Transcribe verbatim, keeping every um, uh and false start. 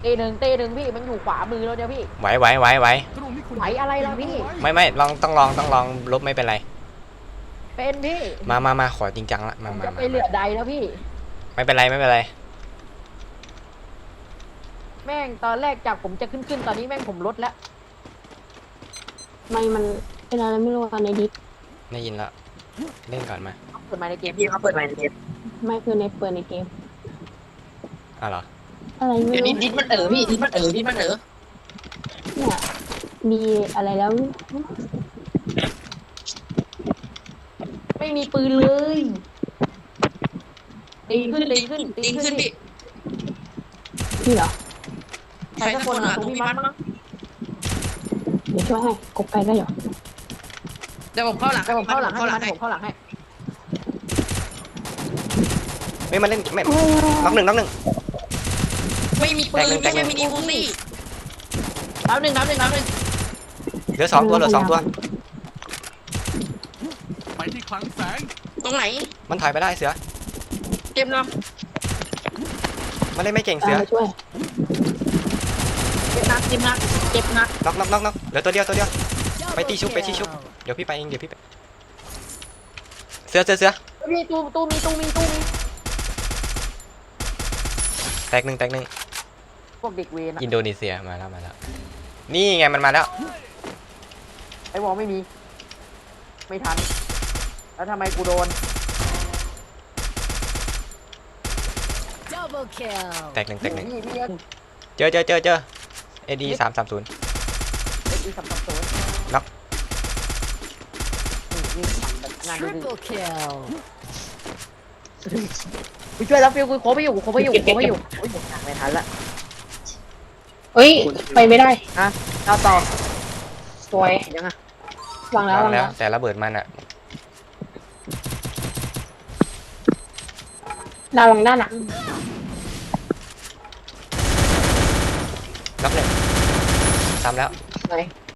ตีหนึ่งตีหนึ่งพี่มันอยู่ขวามือแล้วเนี่ยพี่ไหวไหวไหวไหวไหวอะไรล่ะพี่ไม่ไม่ลองต้องลองต้องลองลบไม่เป็นไรเป็นพี่มามามาขอจริงจังละมามาจะไปเหลือใดแล้วพี่ไม่เป็นไรไม่เป็นไรแม่งตอนแรกจากผมจะขึ้นขึ้นตอนนี้แม่งผมลดแล้วไม่มันเป็นอะไรไม่รู้กันในดิสได้ยินแล้วเล่นก่อนมาเปิดมาในเกมพี่เขาเปิดใหม่ในเกมไม่คือในเปิดในเกมอ้าวเหรออะไรไม่เดี๋ยวนี้รู้ดิสมันเอ๋อพี่ดิสมันเอ๋อดิสมันเอ๋อเนี่ยมีอะไรแล้วไม่มีปืนเลยตีขึ้นตีขึ้นตีดิสขึ้ขึ้นนพี่พี่เหรอใครสักคนอ่ะตรงพี่มัดมั้งเดี๋ยวช่วยให้กบไกลได้เหรอเดี๋ยวผมเข้าหลังให้ผมเข้าหลังให้เข้าหลังให้ผมเข้าหลังให้ไม่มาเล่นไม่น็อกหนึ่งน็อกหนึ่งไม่มีปืนไม่ใช่มินิคูซี่น้ำหนึ่งน้ำหนึ่งน้ำหนึ่งเหลือสองตัวเหลือสองตัวไปที่คลังแสงตรงไหนมันถอยไปได้เสือเต็มลมันเล่นไม่เก่งตามเสือมาช่วยำเจ็บนักเจ็บนักเจ็บนักน็อกน็อกน็อกน็อกเหลือตัวเดียวตัวเดียวไปตีชุบไปตีชุบเดี๋ยวพี่ไปเองเดี๋ยวพี่ไปเสือเสือเสือมีตู้ตู้มีตู้มีตู้มีแตกหนึ่งแตกหนึ่งพวกเด็กเวรอะอินโดนีเซียมาแล้วมาแล้วนี่ไงมันมาแล้วไอ้วอลไม่มี ไม่ทัน แล้วทำไมกูโดน Double kill. แตกหนึ่งแตกหนึ่งพี่พี่เอ็นเจอเจอเจอเจอเอดีสามสามศูนย์เอ็นอีสามสามศูนย์น็อกนี่สั่งแบบงานดี Triple kill. ๆกูช่วยแล้วฟิวกูโคไปอยู่กูโคไปอยู่กูโคไปอยู่โอ้ยหนักไม่ทันละเอ้ยไปไม่ได้เอาต่อสวยยังไงวางแล้ววางวางแล้แล้ว วแต่ระเบิดมันอะดาววางด้านหลังน็อกหนึ่งซ้ำแล้วสวย